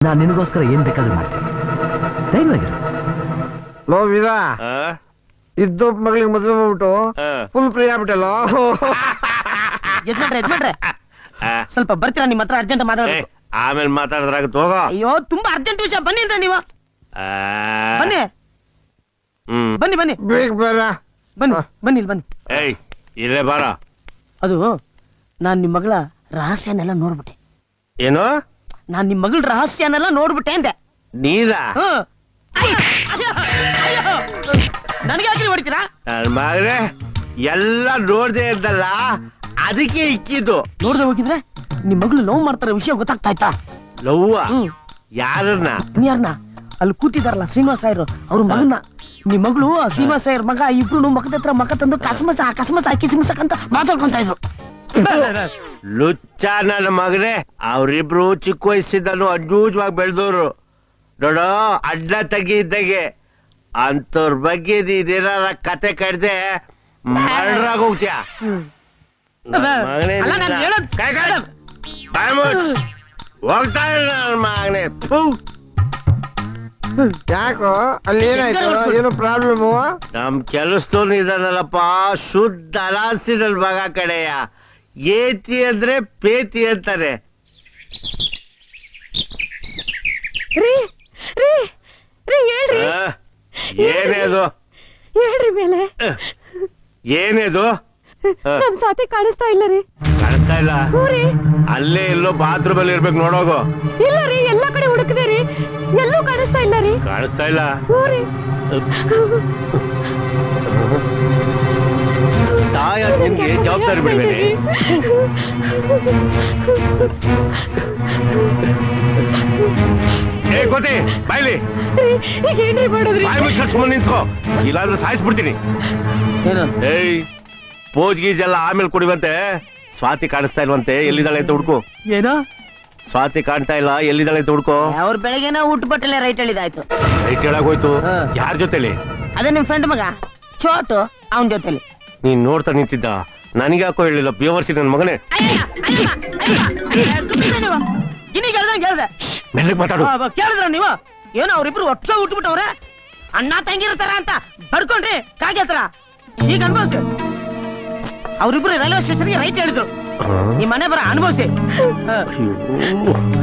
ನಾನು ನಿನಗೋಸ್ಕರ ಏನ್ ಬೇಕಾದ್ರೂ ಮಾಡ್ತೀನಿ, ಧೈರ್ಯವಾಗಿರು. ಲೋ ವೀರ, ಇದ್ದು ಮಗಳಿಗೆ ಮದುವೆ ಮಾಡ್ಬಿಟ್ಟು ಫುಲ್ ಫ್ರೀ ಆಗ್ಬಿಟ್ಟಲ್ಲ. ಯಜಮಾನ್ರೆ ಸ್ವಲ್ಪ ಬರ್ತೀರಾ? ನಿಮ್ಮ ಹತ್ರ ಅರ್ಜೆಂಟ್ ಮಾತಾಡ್ಬೇಕು. ಆಮೇಲೆ ಮಾತಾಡಿದ್ರಾಗತ್ತೆ, ಹೋಗೋ. ಅಯ್ಯೋ ತುಂಬಾ ಅರ್ಜೆಂಟ್ ವಿಷಯ, ಬನ್ನಿ ಅಂತ ನೀವು. ಬನ್ನಿ ಬನ್ನಿ ಬನ್ನಿ ಬೇಗ ಬೇಡ, ಬನ್ನಿ ಬನ್ನಿ ಇಲ್ಲಿ ಬನ್ನಿ. ಏಯ್ ಇಲ್ಲೇ ಬಾರ. ಅದು ನಾನ್ ನಿಮ್ ಮಗಳ ರಹಸ್ಯನೆಲ್ಲ ನೋಡ್ಬಿಟ್ಟೆ. ಏನು? ನಾನ್ ನಿಮ್ ಮಗಳ ರಹಸ್ಯನೆಲ್ಲ ನೋಡ್ಬಿಟ್ಟೆ ಅಂದೆ. ನೀರಾ? ನನಗೆ ಯಾಕೆ ಹೊಡಿತೀರಾ? ನನ್ ಮಗನೇ ಎಲ್ಲ ನೋಡ್ದೆ ಇದ್ದಲ್ಲ, ಅದಕ್ಕೆ ಇಕ್ಕಿದ್ದು. ನೋಡ್ದೆ ಹೋಗಿದ್ರೆ ನಿಮ್ ಮಗಳು ಲವ್ ಮಾಡ್ತಾರ ವಿಷಯ ಗೊತ್ತಾಗ್ತಾ ಇತ್ತಾ? ಲವ್ವ? ಯಾರನ್ನ? ಯಾರನ್ನ? ಅಲ್ಲಿ ಕೂತಿದಾರಲ್ಲ ಶ್ರೀನಿವಾಸ ರಾಯರು, ಅವ್ರ ಮಗನ್ನ. ನಿಮ್ ಮಗಳು ಶ್ರೀನಿವಾಸ ರಾಯರ್ ಮಗ ಇಬ್ರು ಮಕ್ಕದ ಹತ್ರ ಮಕ್ಕ ತಂದು ಕಸಮಸ ಕಿಸಮಸಕ್ಕಂತ ಮಾತಾಡ್ಕೊಂತ ಇದ್ರು. ಲುಚ್ಚ ನನ್ನ ಮಗನೇ, ಅವ್ರಿಬ್ರು ಚಿಕ್ಕ ವಯಸ್ಸಿದ್ದನು ಅಜ್ಜೂಜವಾಗಿ ಬೆಳೆದವ್ರು ನೋಡೋ, ಅಡ್ಡ ತಗಿ ಇದ್ದಾಗೆ. ಅಂತವ್ರ ಬಗ್ಗೆ ನೀನೇನಾರ ಕತೆ ಕಡ್ದೆ ಮರ್ಡರಾಗ ಹೋಗ್ತೀಯ. ಹೋಗ್ತಾ ಇಲ್ಲ ನನ್ನ ಮಗನೇ. ಯಾಕೋ ಅಲ್ಲಿ ಏನಾಯ್ತು? ಏನು ಪ್ರಾಬ್ಲಮ್? ನಮ್ ಕೆಲಸದವ್ನು ಇದಾನಲ್ಲಪ್ಪ, ಶುದ್ಧ ಅಲಾಸಿ ನನ್ ಮಗ ಕಡೆಯ. ಏತಿ ಅಂದ್ರೆ ಪೇತಿ ಅಂತಾರೆ. ಏನೇದು? ಹೇಳ್ರಿ ಮೇಲೆ. ಏನೇದು? ನಮ್ ಸಾತಿ ಕಾಣಿಸ್ತಾ ಇಲ್ಲ ರೀ. ಕಾಣಿಸ್ತಾ ಇಲ್ಲ? ಅಲ್ಲೇ ಎಲ್ಲೋ ಬಾತ್ರೂಮ್ ಅಲ್ಲಿ ಇರ್ಬೇಕು, ನೋಡೋಗು. ಇಲ್ಲ ರೀ, ಎಲ್ಲಾ ಕಡೆ ಹುಡುಕಿದೆ ರೀ, ಎಲ್ಲೂ ಕಾಣಿಸ್ತಾ ಇಲ್ಲ ರೀ. ಕಾಣಿಸ್ತಾ ಇಲ್ಲ? ತಾಯ ನಿಮ್ಗೆ ಜವಾಬ್ದಾರಿ ಬಿಡ್ಬೇಡಿ. ಏ ಗೊತ್ತಿ ಬಾಯ್ಲಿ, ಏನ್ರಿ ಮಾಡೋದ್ರಿ? ಬಾಯ್ ಮುಚ್ಕೊಂಡು ಸುಮ್ಮನೆ ನಿಂತ್ಕೋ, ಇಲ್ಲಾಂದ್ರೆ ಸಾಯಿಸ್ಬಿಡ್ತೀನಿ. ಏಯ್ ಪೋಜ್ ಗೀಜೆಲ್ಲ ಆಮೇಲೆ ಕುಡಿವಂತೆ. ಸ್ವಾತಿ ಕಾಣಿಸ್ತಾ ಇಲ್ವಂತೆ, ಎಲ್ಲಿದ್ದಾಳೆ ಅಂತ ಹುಡ್ಕು. ಏನೋ ಸ್ವಾತಿ ಕಾಣ್ತಾ ಇಲ್ಲ, ಎಲ್ಲಿದ್ದಾಳೆ ಅಂತ ಹುಡ್ಕೋ. ಅವ್ರ ಬೆಳಗ್ಗೆನ ಊಟ ಬಟ್ಟಲೆ ರೈಟ್ ಹೇಳಿದಾಯ್ತು. ರೈಟ್ ಹೇಳಾಗೋಯ್ತು. ಯಾರ ಜೊತೆಲಿ? ಅದೇ ನಿಮ್ ಫ್ರೆಂಡ್ ಮಗ ಚೋಟು, ಅವನ ಜೊತೆಲಿ. ನೀನ್ ನೋಡ್ತಾ ನಿಂತಿದ್ದ, ನನಗೆ ಯಾಕೋ ಹೇಳಿಲ್ಲ ಬೇವರ್ಸಿ ನನ್ ಮಗನೇ. ಮೆಲ್ಲಗ್ ಮಾತಾಡು. ಕೇಳಿದ್ರ ನೀವು? ಏನೋ ಅವ್ರಿಬ್ರು ಒಟ್ಟು ಉಟ್ಬಿಟ್ಟವ್ರೆ, ಅಣ್ಣ ತಂಗಿರ್ತಾರ ಅಂತ ಬಡ್ಕೊಂಡ್ರಿ ಕಾಗೆ ಹತ್ರ. ಈಗ ಅನ್ಭವಿಸಿ, ಅವ್ರಿಬ್ರು ರೈಲ್ವೆ ಸ್ಟೇಷನ್ಗೆ ರೈಟ್ ಹೇಳಿದ್ರು. ನಿಮ್ ಮನೆ ಬರ ಅನುಭವಿಸಿ.